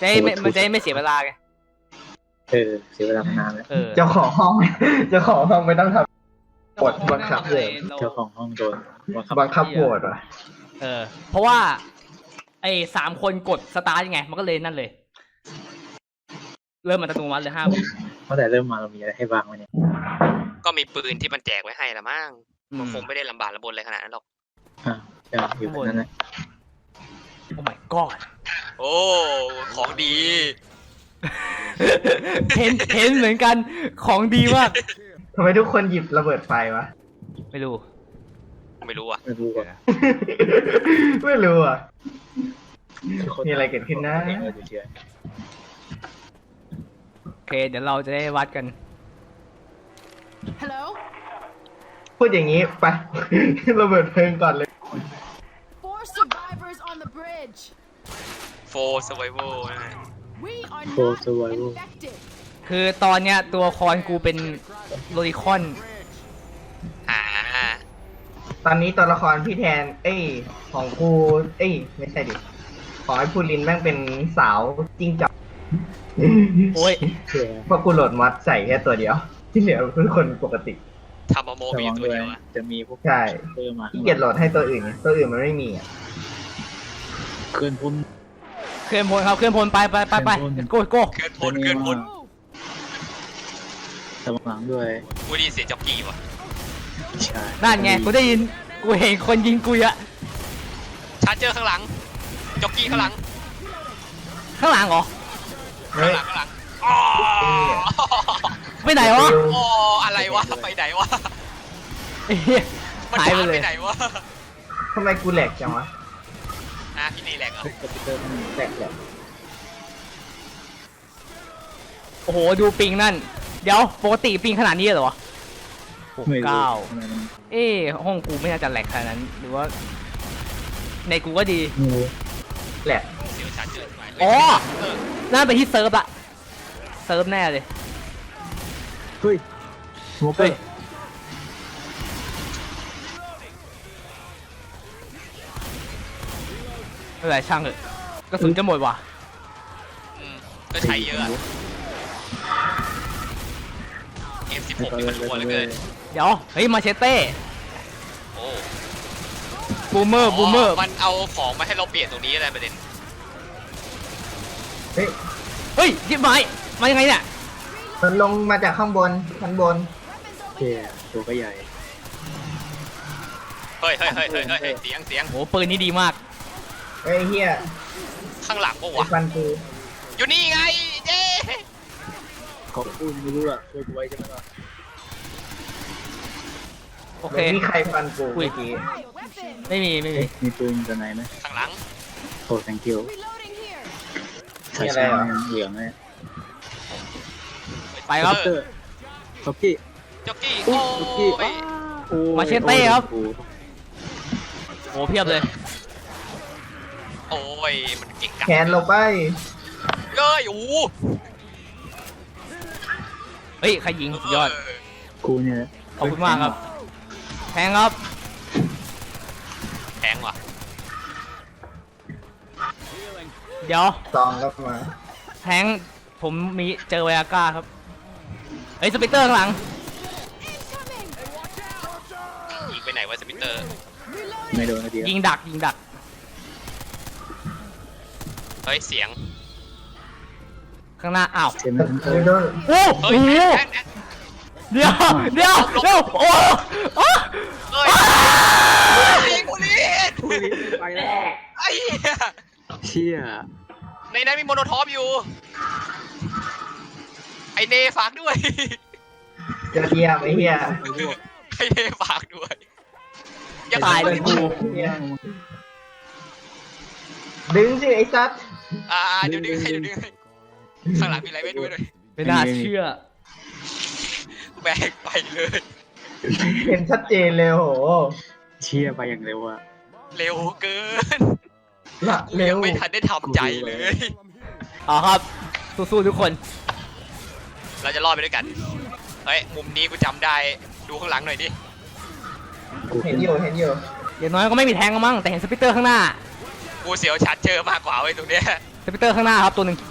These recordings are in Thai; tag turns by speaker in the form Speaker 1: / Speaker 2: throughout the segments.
Speaker 1: มันจะไม่เสียเวลาไง
Speaker 2: เสียเวลานานแล้ว
Speaker 3: เจ้าของห้องไม่ต้องทำกดบังคับเลย
Speaker 2: เจ้าของห้องโดน
Speaker 3: บังคับโหวตว่ะ
Speaker 1: เพราะว่าไอ้3 คนกดสตาร์ทยังไงมันก็เลยนั่นเลยเริ่มอัตโนมัติเลย5 วิ
Speaker 2: ตั้งแต่เริ่มมาเรามีอะไรให้บ้างวะเนี่ย
Speaker 4: ก็มีปืนที่มันแจกไว้ให้ละมั้งมันคงไม่ได้ลำบากลำบนอะไรขนาดนั้นหรอก
Speaker 2: อยู่บนนั้นนะ
Speaker 1: โอ้ my god
Speaker 4: โอ้ของดี
Speaker 1: เห็นเหมือนกันของดีมาก
Speaker 3: ทำไมทุกคนหยิบระเบิดไฟวะ
Speaker 1: ไม่รู้
Speaker 4: อ่ะ
Speaker 3: ไม่รู้อ่ะมีอะไรเกิดขึ้นนะ
Speaker 1: โอเคเดี๋ยวเราจะได้วัดกัน
Speaker 3: พูดอย่างนี้ไประเบิดเพลิงก่อนเลย
Speaker 4: 4 survival
Speaker 1: คือตอนเนี้ยตัวคอนกูเป็นโลลิคอน
Speaker 3: ตอนนี้ตัวละครพี่แทนของกูไม่ใช่ดิของไอ้พูลินแม่งเป็นสาวจิ้งจอก
Speaker 1: โอ้ย
Speaker 3: เพราะกูโหลดมอดใส่แค่ตัวเดียวที่เหลือเป็นคนปกติ
Speaker 4: ทำโมมีตัวเดียว
Speaker 2: จะมีพวก
Speaker 3: ใช่ที่เกียจโหลดให้ตัวอื่นมันไม่มีอ่ะ
Speaker 2: เคลื่อนพล
Speaker 1: ครับเคลื่อนพลไปโก้
Speaker 4: เคลื่อนพล
Speaker 2: ตำลังด้วย
Speaker 4: กูได้ยินเสียงจ็อกกี้ว่ะ
Speaker 2: ใช่
Speaker 1: นั่นไงกูได้ยินกูเห็นคนยิงกูอะ
Speaker 4: ชาร์เจอร์ข้างหลังจ็อกกี้ข้างหลัง
Speaker 1: เหรอ
Speaker 4: ข้างหลัง
Speaker 1: ไปไหนวะ
Speaker 4: อะไรวะไปไหนวะ
Speaker 1: หายไปเลย
Speaker 4: ไหนวะ
Speaker 3: ทำไมกูแหลกจังวะ
Speaker 4: พี่นี่แหลกเหรอ
Speaker 3: แหลก
Speaker 1: โอ้โหดูปิงนั่นเดี๋ยวปกติปิงขนาดนี้เหรอวะ69ห้องกูไม่น่าจะแหลกขนาดนั้นหรือว่าในกูก็ดี
Speaker 3: แหลก
Speaker 1: อ๋อน่าไปที่เซิร์ฟอะเซิร์ฟแน่เลย
Speaker 2: เฮ้ย
Speaker 1: อะไรช่างเถอะกระสุนจะหมดว่ะ
Speaker 4: ก็ใช้เยอะM16นี่มันรัวเหลือเกิน
Speaker 1: เดี๋ยวเฮ้ยมาเชเต้บูมเมอร์
Speaker 4: มันเอาของมาให้เราเปลี่ยนตรงนี้อะไรประเด็น
Speaker 3: เ
Speaker 1: ฮ้ยยิบไม้มายังไงเนี่ย
Speaker 3: มันลงมาจากข้างบนชั้นบน
Speaker 2: ตัวก็ใหญ่
Speaker 4: เฮ้ยเสียง
Speaker 1: โหปืนนี้ดีมาก
Speaker 3: เฮีย
Speaker 4: ข้างหลังปะวะอยู่นี่ไงเจ๊
Speaker 2: เขาพูดไม่รู้ล่ะช่วยกูไว้ใช่ไหมล่ะ
Speaker 1: โอเค
Speaker 3: มีใครฟันกูเมื่อกี้
Speaker 1: ไม่มี
Speaker 2: ปืนจะไหนไหม
Speaker 4: ข้างหลัง
Speaker 2: โอ้ thank you
Speaker 3: ใช่
Speaker 2: เหลืองเลย
Speaker 1: ไปครับ
Speaker 2: จ็อกกี้
Speaker 1: มาเชเต้ครับโอ้เพียบเลย
Speaker 4: โอ้ยมันเก่ง
Speaker 3: แขนลงไป
Speaker 1: เฮ้ยใครยิงสุดยอด
Speaker 2: กูเนี่ย
Speaker 1: ขอบคุณมากครับแทงครับ
Speaker 4: แทงว่ะ
Speaker 1: เดี๋ยว
Speaker 3: ซองก็มา
Speaker 1: แทงผมมีเจอไวอาก้าครับเฮ้ยสปิเตอร์ข้างหลัง
Speaker 4: ยิงไปไหนวะสปิเตอร์
Speaker 2: ไม่โดนนะเดียว
Speaker 1: ยิงดัก
Speaker 4: เฮ้ยเสียง
Speaker 1: ข้างหน้าอ้าว
Speaker 3: โอ้
Speaker 1: โหเดี๋ยวโอ้
Speaker 4: กูนี่
Speaker 2: ไปแล้ว
Speaker 4: ไอ้
Speaker 2: เชี่ย
Speaker 4: ในนั้นมีโมโนทอปอยู่ไอเนฝากด้วย
Speaker 3: จะเฮียไอ้เฮีย
Speaker 4: ไอเนฝากด้วย
Speaker 1: อย่าตายเลยกู
Speaker 3: ดึงสิไอ้ซัด
Speaker 4: เดี๋ยวดึงให้ข้างหลังมีอะไรไม่ดูเลย
Speaker 1: ไม่น่าเชื่อ
Speaker 4: แบกไปเลย
Speaker 3: เห็นชัดเจนเลยโห
Speaker 2: เชี่ยไปอย่างเร็วอะ
Speaker 4: เร็วเกิน
Speaker 3: เร็ว
Speaker 4: ไม่ทันได้ทำใจเลย
Speaker 1: ครับสู้ๆทุกคน
Speaker 4: เราจะรอดไปด้วยกันเฮ้ยมุมนี้กูจำได้ดูข้างหลังหน่อยดิ
Speaker 3: เห็นอยู่
Speaker 1: อย่างน้อยก็ไม่มีแทงมั้งแต่เห็นสปิเตอร์ข้างหน้า
Speaker 4: กูเสียวชัดเจอมากกว่าไว้ตรงเนี้ย
Speaker 1: สปิเตอร์ข้างหน้าครับตัวหนึ่ง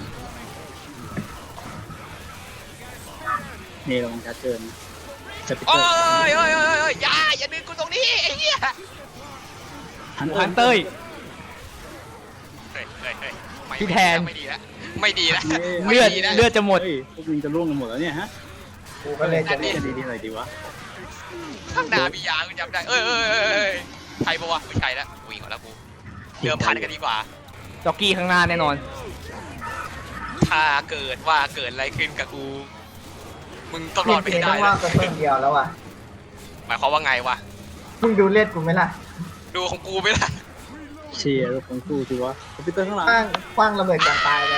Speaker 2: นี่ลงชัดเกินจะไป
Speaker 4: โอ้
Speaker 2: เจอย
Speaker 4: อย่าดึงกูตรงนี้ไอ้เหี้ย
Speaker 1: ฮันเต้ย
Speaker 4: เฮ้ยไม่
Speaker 1: พี่แทน
Speaker 4: ไม่ดีแล้วไม่ดีแล้ว
Speaker 1: เลือด
Speaker 4: ไม่ดีแล้ว
Speaker 1: เลือดจะหมด
Speaker 2: เฮ้ยพวกมึงจะล่วงกันหมดแล้วเนี่ยฮะ
Speaker 3: กูก็เลยจะ
Speaker 2: เล่นดีๆหน่อยดีวะ
Speaker 4: ข้างหน้ามียากูจำได้ใช่ปะวะไม่ใช่แล้ววิ่งก่อนแล้วกูเดิมพันกันดีกว่า
Speaker 1: จ็อกกี้ข้างหน้าแน่นอน
Speaker 4: ถ้าเกิดว่าเกิดอะไรขึ้นกับกู มึงต้องร
Speaker 3: พี่
Speaker 4: อดไป
Speaker 3: เจ
Speaker 4: ให้
Speaker 3: ต้
Speaker 4: ได้
Speaker 3: องว่า
Speaker 4: นะ
Speaker 3: กันเพิ่มเดียวแล้วอ่ะ
Speaker 4: หมายความว่าไงวะ
Speaker 3: มึงดูเลือดกูไหมล่ะ
Speaker 4: ดูของกูไหมล่ะ
Speaker 2: เชียร์ของกูสิวะคอมพิวเตอร์ข้างหลัง
Speaker 3: คว้างระเบิดก่อนตายเลย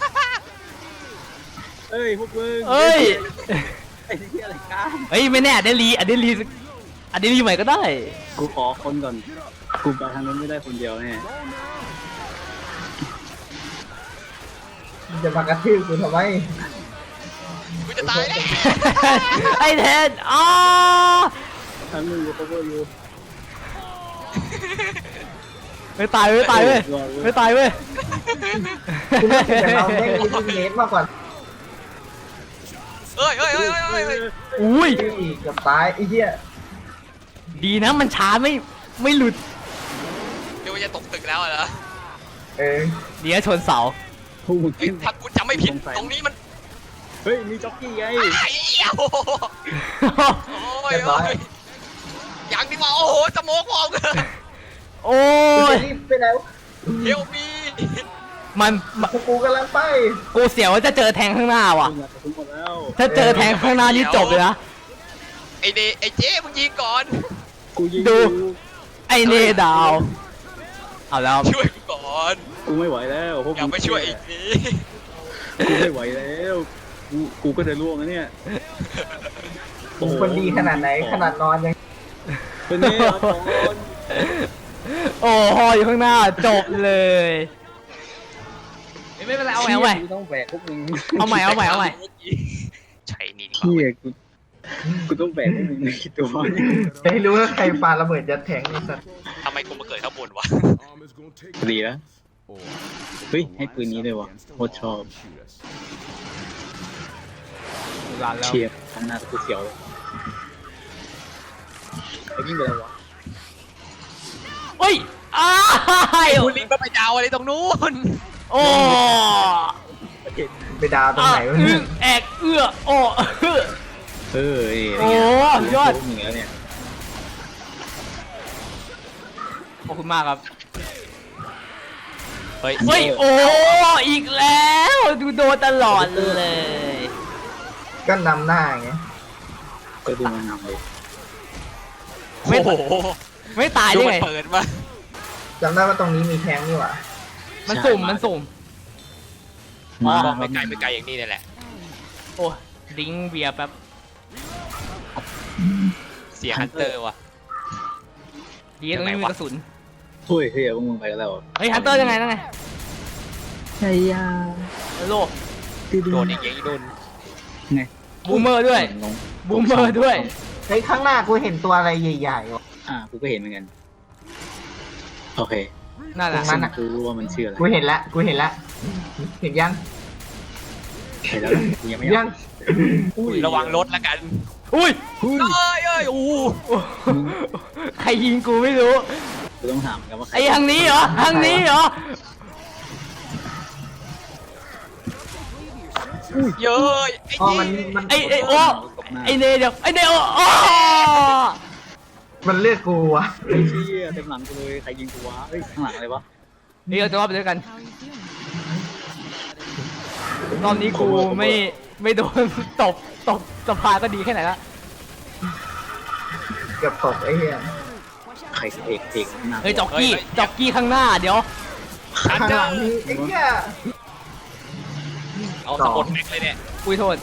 Speaker 2: เอ้ยพวกมึง
Speaker 1: เอ้ย
Speaker 2: ไอ้ที่อะไรกัน
Speaker 1: เฮ้ยไม่แน่อเดลีใหม่ก็ได้
Speaker 2: กูขอคนก่อนกูไปทางนั้นไม่ได้คนเดียวแน่
Speaker 3: มึงจะมากระทืบกูทำไม
Speaker 4: กูจะตายแล้ว
Speaker 1: ไอ้แทนอ๋อ
Speaker 2: ทางนึงกู cover อยู่
Speaker 1: ไม่ตายเว้ยไม่ตายเว้ย
Speaker 3: กูรู้สึกแต่เราได้มีลูกเนสมากกว่า
Speaker 4: เฮ้ย
Speaker 1: อุ้ย
Speaker 3: อีกกับตายไอ้เหี้ย
Speaker 1: ดีนะมันช้าไม่หลุด
Speaker 4: เดี๋ยวมันจะตกตึกแล้วเหรอ
Speaker 3: เออ
Speaker 1: เดี๋ยวชนเสา
Speaker 2: พวกมึง
Speaker 4: เฮ้ยถ้ากูจำไม่ผิดตรงนี้มัน
Speaker 2: เฮ้ยมีจ็อกกี้ไง
Speaker 4: ไอ้เหี้ยโอ้ยอย่างที่ว่าโอ้โหสโมกมองเลย
Speaker 1: โอ้
Speaker 3: กู
Speaker 1: ย
Speaker 3: จะรีบไปแล้ว
Speaker 4: เฮลมี
Speaker 1: มัน
Speaker 3: กูกำลังไป
Speaker 1: กูเสียวว่าจะเจอแทงข้างหน้าว่ะ
Speaker 2: มึงอยากกระสุนหมดแล้ว
Speaker 1: ถ้าเจอแทงข้างหน้านี่จบเลยนะ
Speaker 4: ไอ้เจ๊มึงยิงก่อน
Speaker 2: กูยิง
Speaker 1: ดู
Speaker 2: อยู่
Speaker 1: ไอเนดาว เอาแล้ว
Speaker 4: ช่วยกูก่อน
Speaker 2: กูไม่ไหวแล้วพวก
Speaker 4: อย่า
Speaker 2: มึง
Speaker 4: ไปช่วยอีกที
Speaker 2: กูไม่ไหวแล้วกูก็จะล่วงแล้วเนี่ย
Speaker 3: มึงคนดีขนาดไหนขนาดนอนยัง
Speaker 2: เป็นเนี่ยครับก่อน
Speaker 1: โอ้หออยู่ข้างหน้าจบเลยไม่เป็นไรเอาใหม่
Speaker 2: กูต้องแบกพวกมึง
Speaker 1: เอาใหม่
Speaker 4: ใช่นี่ดีก
Speaker 2: เฮี
Speaker 4: ว่าย
Speaker 2: กูต้องแบกพวกมึงในตัว
Speaker 3: จะให้รู้ว่าใครปาระเบิดยัดแทงนี่สัตว์
Speaker 4: ทำไมกูมาเกิดข้างบนวะ
Speaker 2: ดีนะเฮ้ยให้ปืนนี้เลยวะโคตรชอบ
Speaker 1: ร้านแล้ว
Speaker 2: เชียร์ข้างหน้ากูเสียวเลยไอ้ยิ่งเป็นอะไรวะ
Speaker 1: เฮ้ยอ้าย
Speaker 4: คุณลิงไปดาวอะไรตรงนู้น
Speaker 1: โอ้
Speaker 3: ไปดาวตรงไหนวะ
Speaker 1: อึ้งแอกเอื้อโอ้
Speaker 2: เออ
Speaker 1: โอ้ยอด
Speaker 2: เหนือเนี่ย
Speaker 1: ขอบคุณมากครับ
Speaker 4: เฮ้ย
Speaker 1: เฮ้ยโอ้อีกแล้วดูโดนตลอดเลย
Speaker 3: ก็นำหน้าไง
Speaker 2: ก็ดูมันนำเลย
Speaker 4: โอ้โห
Speaker 1: ไม่ตาย
Speaker 4: ดู
Speaker 1: ได้
Speaker 4: มัน
Speaker 1: ไง
Speaker 4: เปิดมา
Speaker 3: จำได้ว่าตรงนี้มีแทงนี่หว่า
Speaker 1: มันสุ่มมันสุ่ม
Speaker 2: มา
Speaker 4: ไม่ไกลอย่างนี้นี่แหละ
Speaker 1: โอ้ลิงก์เบียร์แป๊บ
Speaker 4: เสียฮันเตอร์ว่ะ
Speaker 1: ดีตรงนี้มีกระสุน
Speaker 2: เฮ้ยเฮ้ยพวกมึงไปกันแล้ว
Speaker 1: เฮ้ยฮันเตอร์ยังไงนั่นไง
Speaker 2: ใช่ยา
Speaker 1: โลก
Speaker 4: โดนอีกอย่างนี้โดน
Speaker 2: ไง
Speaker 1: บูมเมอร์ด้วย
Speaker 2: ลง
Speaker 1: บูมเมอร์ด้วย
Speaker 3: เฮ้ยข้างหน้ากูเห็นตัวอะไรใหญ่ๆวะ
Speaker 2: กูก็เห็นเหมือนกันโอเค
Speaker 1: นั่นแหละ
Speaker 3: ตรงนั้นน่ะ
Speaker 2: กูรู้ว่ามันชื่ออะไร
Speaker 3: กูเห็นละเห็นยัง
Speaker 2: เห็นแล้วกูยังไม่
Speaker 3: ยัง
Speaker 4: ระวังรถแล้วกัน
Speaker 1: อุ้ย
Speaker 4: เอ้ยอู้
Speaker 1: ใครยิงกูไม่รู้
Speaker 2: กูต้องถามกันว่าใคร
Speaker 1: ไอ้ทางนี้เหรอทางนี้เหรอ
Speaker 4: เย้ย
Speaker 3: อ๋อมัน
Speaker 1: ไอ้โอ้ไอ้เนเดี๋ยวไอ้เนโอ้
Speaker 3: มันเลือกกูวะ
Speaker 2: ไอ้เชี่ยเต็มหลังกูเลยใครยิงกูวะเฮ้ยข้างหลังอะไรวะ
Speaker 1: นี่เราจะรอบไปด้วยกันรอบนี้กูไม่โดนตกสะพานก็ดีแค่ไหนละ
Speaker 3: เกือบตกไอ้เหี้ย
Speaker 2: ใครเอกข้างหน้า
Speaker 1: เฮ้ยจ็อกกี้ข้างหน้าเดี๋ยว
Speaker 4: ฮัน
Speaker 3: ข้าง
Speaker 4: เตอ
Speaker 3: หลัง
Speaker 4: ร์
Speaker 3: นี่ไอ้เหี้ย
Speaker 4: เอาสะบดแม็กเลยเนี่ย
Speaker 1: อุ้ยโทษ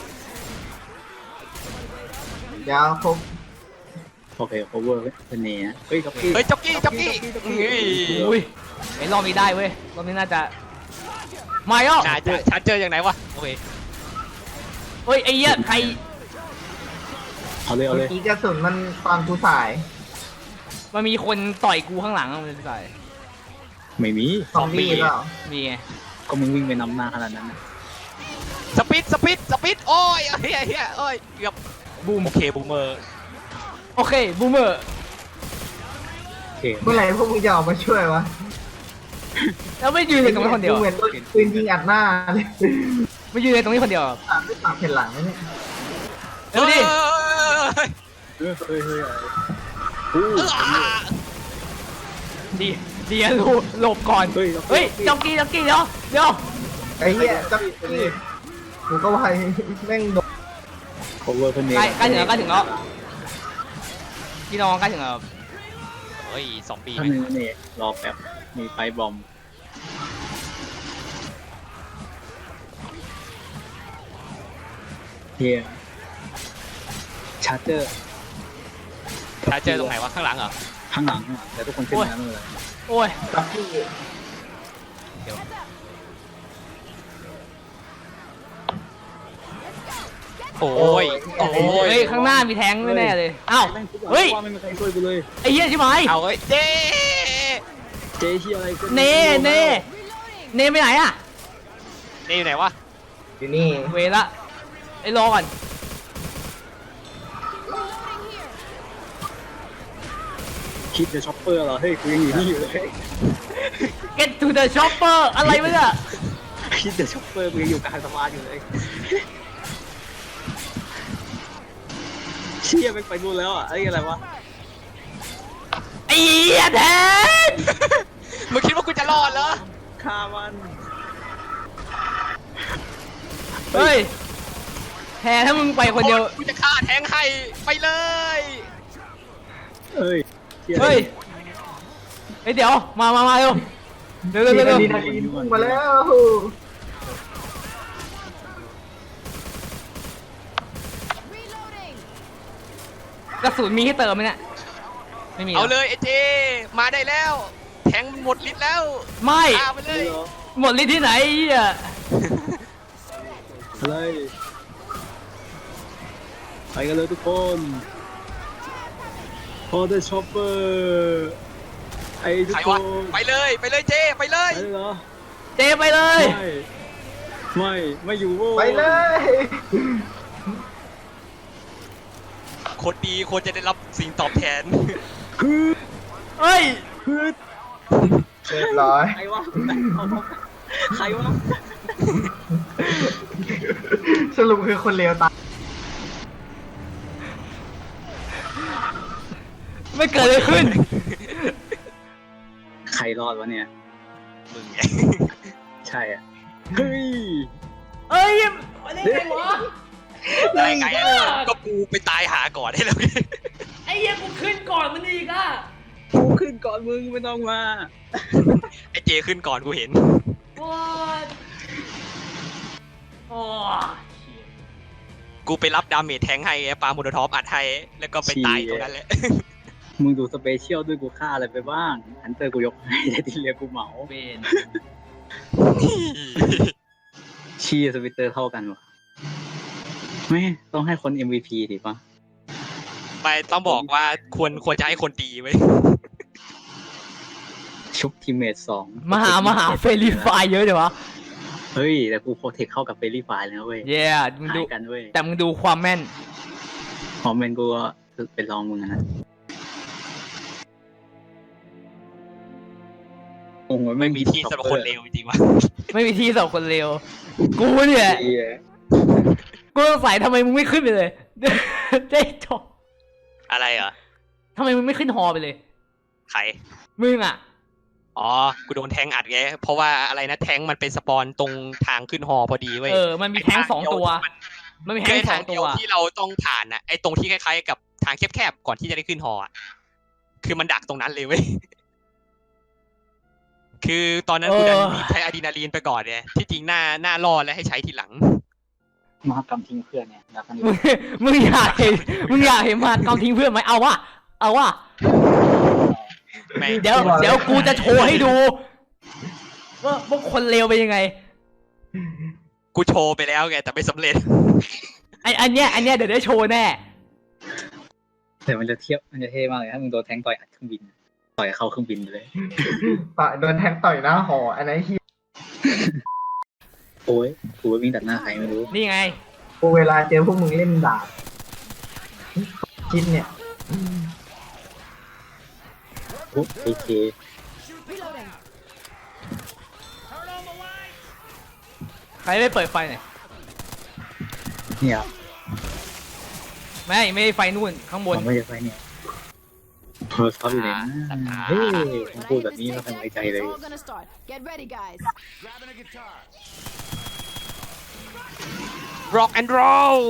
Speaker 3: เดี๋ยวครบ
Speaker 2: โอเค cover เป็นเนียเฮ้ยจ็อกกี้
Speaker 4: เฮ้ยจ็อกกี้
Speaker 1: อุ้ยไอ้รอบนี้ได้เว้ยรอบนี้น่าจะมาย่อ
Speaker 4: ฉันเจออย่างไหนวะโอเค
Speaker 1: เฮ้ยไอ้เหี้ยใคร
Speaker 2: เอาเลยเอา
Speaker 3: เมื่
Speaker 2: เล
Speaker 3: อย กี้กระสุนมันตอนกูสาย
Speaker 1: มันมีคนต่อยกูข้างหลังมันใส่
Speaker 2: ไม่มี
Speaker 3: ซอมบี้เปล่า
Speaker 1: มีไง
Speaker 3: ซ
Speaker 2: ก็มึงวิ่งไปนำหน้าขนาดนั้นนะ
Speaker 4: สปิดโอ้ยเฮียโอ้ยเกือบบูมโอเคบูมเมอร์
Speaker 1: โอเคบูมเมอร์
Speaker 2: โอเค
Speaker 3: เมื่อไหร่พวกมึงจะออกมาช่วยวะ
Speaker 1: แล้วไม่ยืนเลยตรงนี้คนเดียว
Speaker 3: เหมือนโดนปืนยิงอัดหน้าเลย
Speaker 1: ไม่ยืนเลยตรงนี้คนเดียว
Speaker 3: ไม่ปากเห็นหลังนะเนี่ย
Speaker 1: เร็วดิ
Speaker 2: เฮ้ยอะไรอู้
Speaker 1: ดีดีอะลูหลบก่อนเฮ้ยจ็อกกี้เดี๋ยว
Speaker 3: ไอ้เหี้ยจับกี้กูก็ว่าแม่งโดน
Speaker 2: โคเวอร์เพื่อนเอง
Speaker 1: ใกล้ถึงแล้วพี่น้องใกล้ถึงแล้ว
Speaker 4: เฮ้ย2 ปี
Speaker 2: ท่านนึงนี่รอแป๊บมีไฟบอมเฮียชาร์เจอร์
Speaker 4: ถ้าเจอตรงไหนวะข้างหลังเหรอ
Speaker 2: ข้างหลังแต่ทุกคนขึ้นมาไม่เป็นไร
Speaker 1: โอ้ย
Speaker 3: จับกี้
Speaker 4: โอ้ย
Speaker 1: เฮ้ยข้างหน้ามีแทงแน่ๆเลยอ้าวเฮ้ย
Speaker 2: ว่าไม่มีใครช่วยกูเลย
Speaker 1: ไอ้เหี้ยใช่ไหม
Speaker 4: เอาเฮ้ยเจ๊
Speaker 2: เจ๊เชี่ยอะไรก็
Speaker 1: เน่ไปไหนอะ
Speaker 4: นี่อยู่ไหนวะ
Speaker 3: อยู่นี่
Speaker 1: เวละไอ้รอก่อน
Speaker 2: คิดจะช็อปเปอร์เหรอเฮ้ยกูยังอยู่นี่อยู่เลย
Speaker 1: get to the shopper อะไรวะเนี่ย
Speaker 2: คิดจะช็อปเปอร์กูยังอยู่กลางสะพานอยู่เลยเชี่ยไปไปนู่นแล้วอ่ะไอ้อะไรวะ
Speaker 1: ไอ้เหี้ยแทน
Speaker 4: มึงคิดว่ากูจะรอดเหรอ
Speaker 2: ฆ่ามัน
Speaker 1: เฮ้ยแทนถ้ามึงไปคนเดียว
Speaker 4: กูจะฆ่าแทงให้ไปเลย
Speaker 2: เอ้ยชี่
Speaker 1: เฮ้ยเดี๋ยวมาเร็วเร็ว
Speaker 3: ดีนะพุ่งมาแล้ว
Speaker 1: กระสุนมีให้เติมไหมเนี่ยไม่มี
Speaker 4: เอาเลยไอ้เจมาได้แล้ว แทงมันหมดฤทธิ์แล้ว
Speaker 1: ไม่
Speaker 4: ฆ่าไปเลย
Speaker 1: หมดฤทธิ์ที่ไหนอ่ะ
Speaker 2: อะไรไปกันเลยทุกคนพอได้ช็อปเปอร์ไอ้ทุก
Speaker 4: ใคร
Speaker 2: คว
Speaker 4: ะ
Speaker 2: น
Speaker 4: ไปเลยเจไปเลย
Speaker 2: ไปเลยเหรอ
Speaker 1: เจไปเลย
Speaker 2: ไม่อยู่โว้ย
Speaker 3: ไปเลย
Speaker 4: คนดีควรจะได้รับสิ่งตอบแทน
Speaker 2: คือ
Speaker 1: เฮ้ย
Speaker 2: คือ
Speaker 3: เรียบร้อย
Speaker 2: ใครวะเอาใครวะ
Speaker 3: สรุปคือคนเลวตาย
Speaker 1: ไม่เกิดอะไรขึ้น
Speaker 2: ใครรอดวะเนี่ย
Speaker 4: มึงไง
Speaker 2: ใช่อ่ะเฮ้ย
Speaker 1: เอ้ยมาได้ไงวะ
Speaker 4: ได้ไงอะก็กูไปตายหาก่อนให้แล้วไง
Speaker 1: ไอ้เหี้ยกูขึ้นก่อนมันอีกอ่ะ
Speaker 2: กูขึ้นก่อนมึงไม่ต้องมา
Speaker 4: ไอ้เจขึ้นก่อนกูเห็น
Speaker 1: โอ้ยโอ้ย
Speaker 4: กูไปรับดาเมจแทงให้ไอ้ปาโมโนทอปอัดให้แล้วก็ไปตายตรงนั้นแหละ
Speaker 2: มึงดูสเปเชียลด้วยกูฆ่าอะไรไปบ้างฮันเตอร์กูยกให้แต่ที่เหลือกูเหมา
Speaker 1: เบน
Speaker 2: ชี้สวิตเตอร์เท่ากันวะไม่ต้องให้คน MVP ดิปะ
Speaker 4: ไปต้องบอกว่าควรจะให้คนดีไว้ย
Speaker 2: ชุบทีมเมทสอง
Speaker 1: มหาเฟรีไฟเยอะเดี๋ยววะ
Speaker 2: เฮ้ย แต่กูโปรเทคเข้ากับเฟรลี่ไฟล์เลยนะเว้ย
Speaker 1: เย้มึง
Speaker 2: หา
Speaker 1: ดู
Speaker 2: ยกันเว้ย
Speaker 1: แต่มึงดูความแม่น
Speaker 2: คอมเมนต์กูก็เป็นรองมึงอะนะโอ้โห
Speaker 4: ไม่มีที่สำหรับคนเลวจริงๆวะ
Speaker 1: ไม่มีที่สำหรับคนเลวกูเนี่ย
Speaker 2: เหี้ย
Speaker 1: กูสงสัยทำไมมึงไม่ขึ้นไปเลย เจ๊จบ
Speaker 4: อะไรเหรอ
Speaker 1: ทำไมมึงไม่ขึ้นฮอไปเลย
Speaker 4: ใคร
Speaker 1: มึงอ่ะ
Speaker 4: อ๋อ กูโดนแทงอัดไง เพราะว่าอะไรนะแทงมันเป็นสปอนตรงทางขึ้นฮอพอดีเว้ย
Speaker 1: มันมีแท้งสองตัว มันมี
Speaker 4: คื
Speaker 1: แท้
Speaker 4: อง
Speaker 1: ส
Speaker 4: ทา
Speaker 1: อง ง
Speaker 4: เดี
Speaker 1: ตั
Speaker 4: ยว วที่เราต้องผ่านน่ะไอ้ตรงที่คล้ายๆกับทางแคบๆก่อนที่จะได้ขึ้นฮออะคือมันดักตรงนั้นเลยเว้ย คือตอนนั้นกูดันรีบใช้อะดรีนาลีนไปก่อนเนี่ยที่จริงหน้ารอและให้ใช้ทีหลัง
Speaker 2: มหากรรมทิ้งเพื่อนเนี่ยแล้วกัน
Speaker 1: มึงอยากเห็นมากำทิ้งเพื่อนไหมเอาวะ
Speaker 4: ไม่
Speaker 1: เดี๋ยวกูจะโชว์ให้ดู ว่าพวกคนเลวเป็นยังไง
Speaker 4: กูโชว์ไปแล้วไงแต่ไม่สำเร็จ
Speaker 1: อันเนี้ยเดี๋ยวได้โชว์แน่
Speaker 2: แต่มันจะเท่มากเลยถ้ามึงโดนแทงต่อยอัดเครื่องบิน ต่อยเข้าเครื่องบินเลย
Speaker 3: โดนแทงต่อยหน้าหออันนั้นเฮีย
Speaker 2: โอ้ยกูวิ่งตัดหน้าใครไม่รู้
Speaker 1: นี่ไง
Speaker 3: กูเวลาเจอพวกมึงเล่นดาบคิดเนี่ย
Speaker 2: โอ้เอเค
Speaker 1: ใครไม่เปิดไฟหน่อย
Speaker 2: เนี่ย
Speaker 1: ไม่ได้ไฟนู่นข้างบน
Speaker 2: ผมไม่ได้ไปเนี่ยโทรศัพท์อยู่ไหนนะเฮ้ยผมพูดแบบนี้ไม่ค่อยไว้ใจเลย
Speaker 5: All gonna start. Get ready, guys.
Speaker 4: rock and roll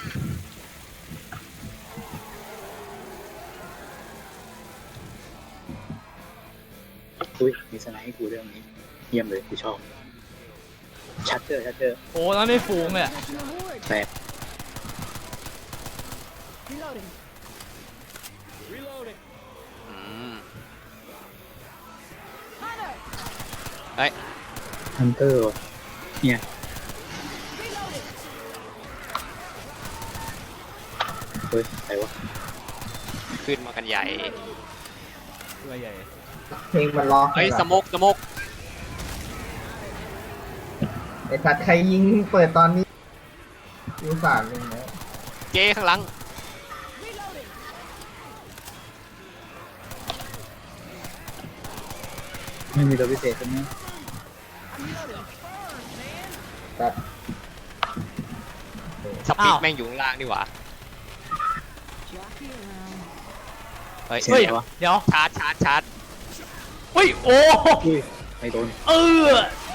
Speaker 2: อุ้ยมีสไนด์ให้กูเรื่องนี้เยี่ยมเลยกูชอบชัดเจอ
Speaker 1: โอ้แล้วไม่ฟูงเลยอะ
Speaker 5: Reward.
Speaker 2: แตก
Speaker 5: Reloading.
Speaker 4: อืม
Speaker 5: Hunter.
Speaker 4: เฮ้ย
Speaker 2: ฮันเตอร์ว่ะเนี่ย
Speaker 5: Reloading.
Speaker 2: เฮ้ยใครวะ
Speaker 4: ขึ้นมากันใหญ่
Speaker 1: ตัวใหญ่
Speaker 3: เพลงมันร้อง
Speaker 4: เฮ้ยสโมกสโมก
Speaker 3: ไอ้สัตว์ใครยิงเปิดตอนนี้ยูสานเลยนะ
Speaker 4: เจ๊ข้างหลัง
Speaker 5: Reloading.
Speaker 2: ไม่มีตัวพิเศษใช่ไหม
Speaker 5: I'm reloading.
Speaker 3: ตัด
Speaker 4: สปีดแม่งอยู่ข้างล่างนี่หว่า
Speaker 5: Jockey around.
Speaker 4: เฮ้ย
Speaker 2: เสีย
Speaker 1: เฮ้ย
Speaker 2: งอะไรวะ
Speaker 1: เดี๋ยว
Speaker 4: ชาร์จชาร์จชาร์จ
Speaker 1: เฮ้ยโอ้
Speaker 2: อุ้ยไม่โดน
Speaker 1: เออ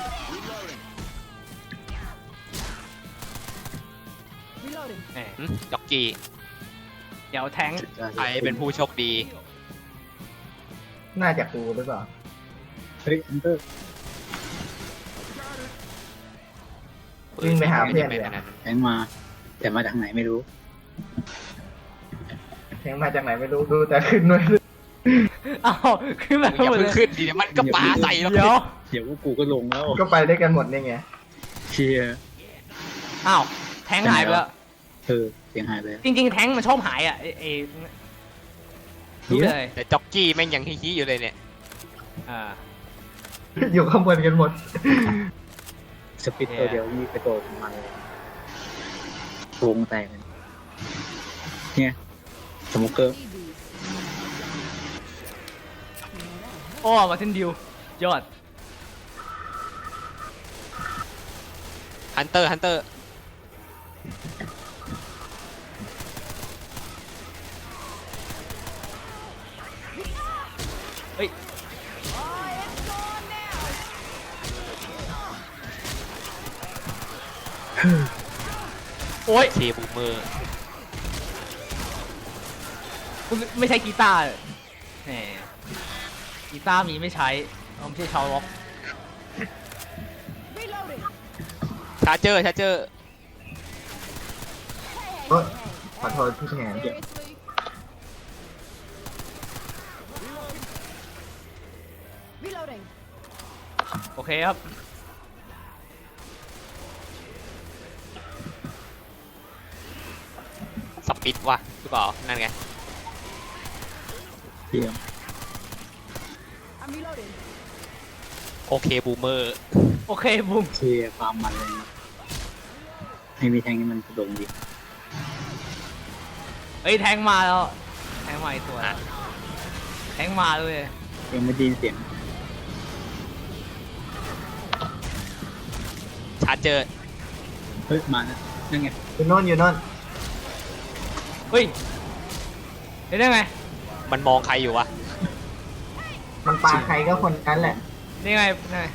Speaker 5: Reloading.
Speaker 1: แหม
Speaker 4: จ็อกกี้
Speaker 1: เดี๋ยวแทงค์
Speaker 4: ใครเป็นผู้โชคดี
Speaker 3: น่าจะกูหรือเปล่า
Speaker 2: เฮ้ยฮันเตอร์
Speaker 3: วิ่งไปหาเพื่อนเลย
Speaker 2: แทงมาแต่มาจากไหนไม่รู้
Speaker 3: เพลงมาจากไหนไม่รู้ดูแต่ขึ้นด้วย
Speaker 1: อ้าวขึ้นมา
Speaker 4: มึงอย่า
Speaker 1: หมด
Speaker 4: เพิ่
Speaker 1: เล
Speaker 4: ง
Speaker 1: ย
Speaker 4: ขึ้นดิเดี๋ยวมันก็ปาใส่แล้ว
Speaker 1: เดี๋ยว
Speaker 2: เดี๋ยวกูก็ลงแล้ว
Speaker 3: ก็ไปด้วยกันหมดนี่ไง
Speaker 2: เชียร์
Speaker 1: อ้าวแทงค์หายไปแล้ว
Speaker 2: เสียงหายไปแล้ว
Speaker 1: จริงๆแทงค์มันชอบหายอ่ะรู้เลย
Speaker 4: แต่จ็อกกี้แม่งยังฮี้ๆอยู่เลยเนี่ย
Speaker 1: อ่า
Speaker 3: อยู่ข้างบนกันหมด
Speaker 2: สปิตตัวเดียวนี่กระโดดมาเลยวงแตกเลยเนี่ยสโมเกอร์
Speaker 1: โอ้มาเทนดิวยอด
Speaker 4: ฮันเตอร์ฮันเตอร์
Speaker 1: เฮ้ย โอ้ย
Speaker 4: เคบูเมอร์
Speaker 1: ไม่ใช่กีตาร์แหมกีตาร์มีไม่ใช้เราไม่ใช่ชาวล็อก
Speaker 5: Reloading.
Speaker 4: ชาร์เจอร์ชาร์เจอร์
Speaker 3: เอ้ยขอโทษพี่แทน
Speaker 5: Seriously. Reloading.
Speaker 1: โอเคครับ
Speaker 4: สปิดวะหรือเปล่านั่นไง
Speaker 2: เยี่ยม
Speaker 5: I'm reloading.
Speaker 4: โอเคบูเมอร์
Speaker 1: โอเคบูม
Speaker 2: เชียร์ความมันเลยนะให้มีแทงนี่มันกระโดดดี
Speaker 1: เฮ้ยแทงค์มาแล้ว แทงค์มาอีกตัว
Speaker 4: อ่ะ
Speaker 1: แทงค์มาเลย
Speaker 2: ยังไม่ได้ยินเสียง
Speaker 4: ชาร์เจอร์
Speaker 2: เฮ้ยมานะนั่นไง
Speaker 3: อยู่โน่นอยู่โน่น
Speaker 1: เฮ้ยเห็นได้ไง
Speaker 4: มันมองใครอยู่วะ
Speaker 3: มันปาใครก็คนนั้นแหละ
Speaker 1: นี่ไงนี่ไง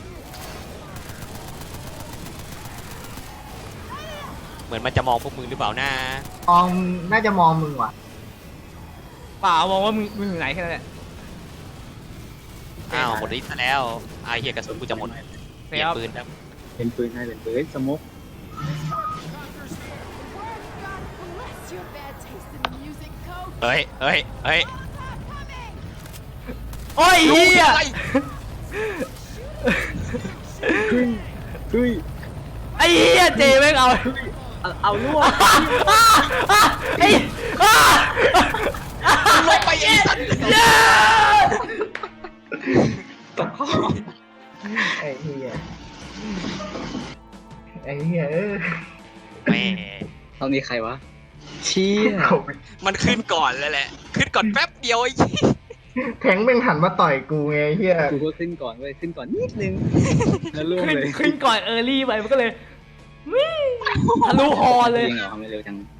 Speaker 4: เหมือนมันจะมองพวกมึงหรือเปล่านะ
Speaker 3: มองน่าจะมองมึงว่ะ
Speaker 1: เปล่ามองว่ามึงอยู่ไหนแค่นั้นแหละ
Speaker 4: อ้าวหมดฤทธิ์ซะแล้วไอ้เหี้ยกระสุนกูจะหมดเปลี่ยนปืนครับ
Speaker 2: เป็นปืนให้เป็นปืนเฮ้ยสโมก
Speaker 5: Bless your bad taste in music, Coach.
Speaker 4: เฮ้ยเฮ้ยเฮ้ย
Speaker 1: โอ้ยเฮีย
Speaker 4: อะไร
Speaker 2: เฮ้ย
Speaker 1: ไอ้เฮียเจแม่งเอา
Speaker 2: เอาล่วง
Speaker 1: ไอ้อ้า
Speaker 4: ลงไปไอ้สัตว์
Speaker 1: เย้
Speaker 3: ไอ้เหี้ยไอ้เหี้ย
Speaker 4: แหม่
Speaker 2: ตอนนี้ใครวะเชี่ย
Speaker 4: มันขึ้นก่อนแล้วแหละ ขึ้นก่อนแป๊บเดียวไอ้ยี่
Speaker 3: แทงแม่งหันมาต่อยกูไงไอ้เหี้ย
Speaker 2: กูก็ขึ้นก่อนเว้ยขึ้นก่อนนิดนึงแล้วล่วง
Speaker 1: ขึ้น
Speaker 2: เลย
Speaker 1: ขึ้นก่อนเออร์ลี่ไปมันก็เลยวิ่งทะลุฮอเลย
Speaker 2: จริงเหรอทำไมเร็วจัง